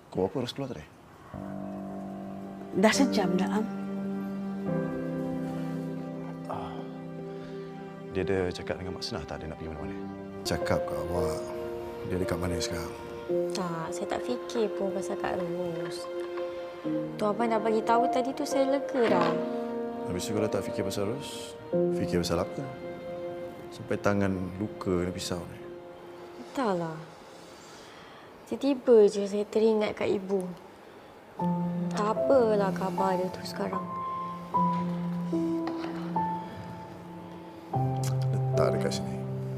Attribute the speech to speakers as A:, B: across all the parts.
A: Kau apa harus keluar tadi?
B: Dah sejam dah, Am.
A: Dia ada cakap dengan Mak Senah tak dia nak pergi mana-mana? Cakap kat awak. Dia dekat mana sekarang?
C: Tak, saya tak fikir pun pasal Kak Ros. Tu abang dah bagi tahu tadi tu saya lega dah.
A: Habis tu kalau tak fikir pasal Ros, fikir pasal apa? Sampai tangan luka dengan pisau ni.
C: Entahlah. Tiba-tiba je saya teringat kat ibu. Tak apalah khabar dia tu sekarang.
A: Letak dekat sini.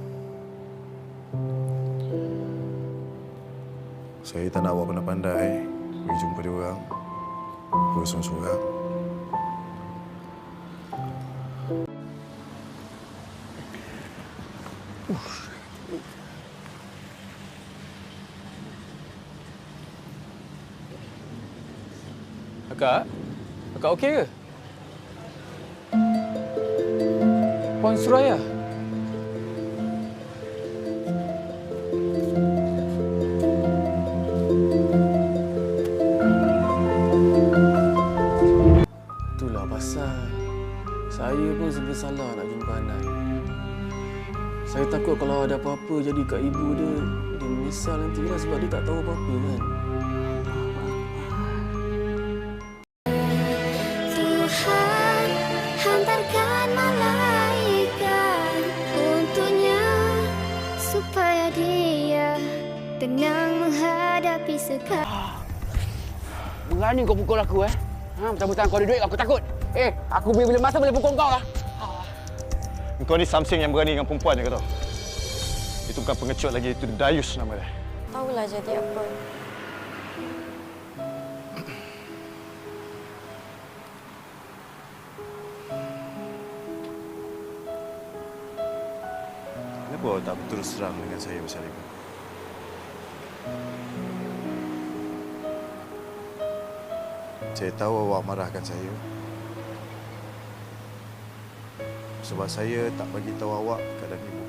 A: Saya tak nak awak pandai-pandai pergi jumpa dia orang. Sorang-sorang.
D: Akak okey ke? Puan Suraya? Itulah pasal saya pun serba salah nak jumpa Hanan. Saya takut kalau ada apa-apa jadi kat ibu dia, dia menyesal nanti lah sebab dia tak tahu apa-apa kan.
E: Tuhan hantarkan malaikat untuknya supaya dia tenang menghadapi segala.
F: Berani kau pukul aku, Mentang-mentang kau ada duit, aku takut. Aku bila masa boleh pukul kau lah.
A: Kau ni something yang berani dengan perempuan je kau tahu. Itu bukan pengecut lagi, itu Dayus nama dia.
C: Tahulah jadi apa.
A: Kenapa awak tak berterus terang dengan saya pasal itu? Saya tahu awak marahkan saya. Sebab saya tak bagi tahu awak keadaan ibu.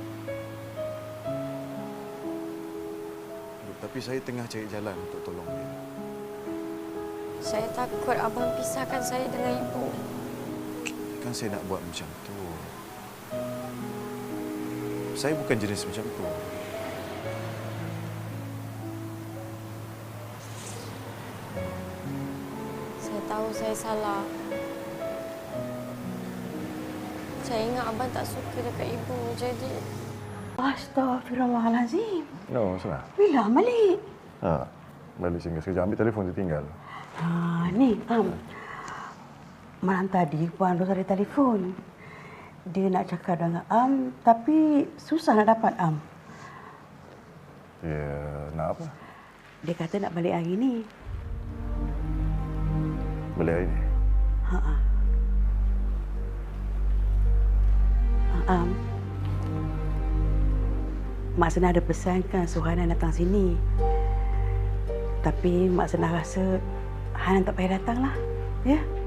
A: Tapi saya tengah cari jalan untuk tolong dia.
C: Saya takut abang pisahkan saya dengan ibu.
A: Kan saya nak buat macam tu. Saya bukan jenis macam tu.
C: Saya tahu saya salah. Saya ingat abang tak suka dekat ibu, jadi...
B: Astaghfirullahalazim.
A: No, Senah.
B: Bila balik?
A: Balik singgah sekejap. Ambil telefon dia tinggal.
B: Ni, Am. Malam tadi Puan Ros ada telefon. Dia nak cakap dengan Am, tapi susah nak dapat Am.
A: Ya, nak apa?
B: Dia kata nak balik hari ni.
A: Balik hari ni?
B: Am. Mak Senah ada pesankan suruh Hanan datang sini. Tapi Mak Senah rasa Hanan tak payah datang lah. Ya?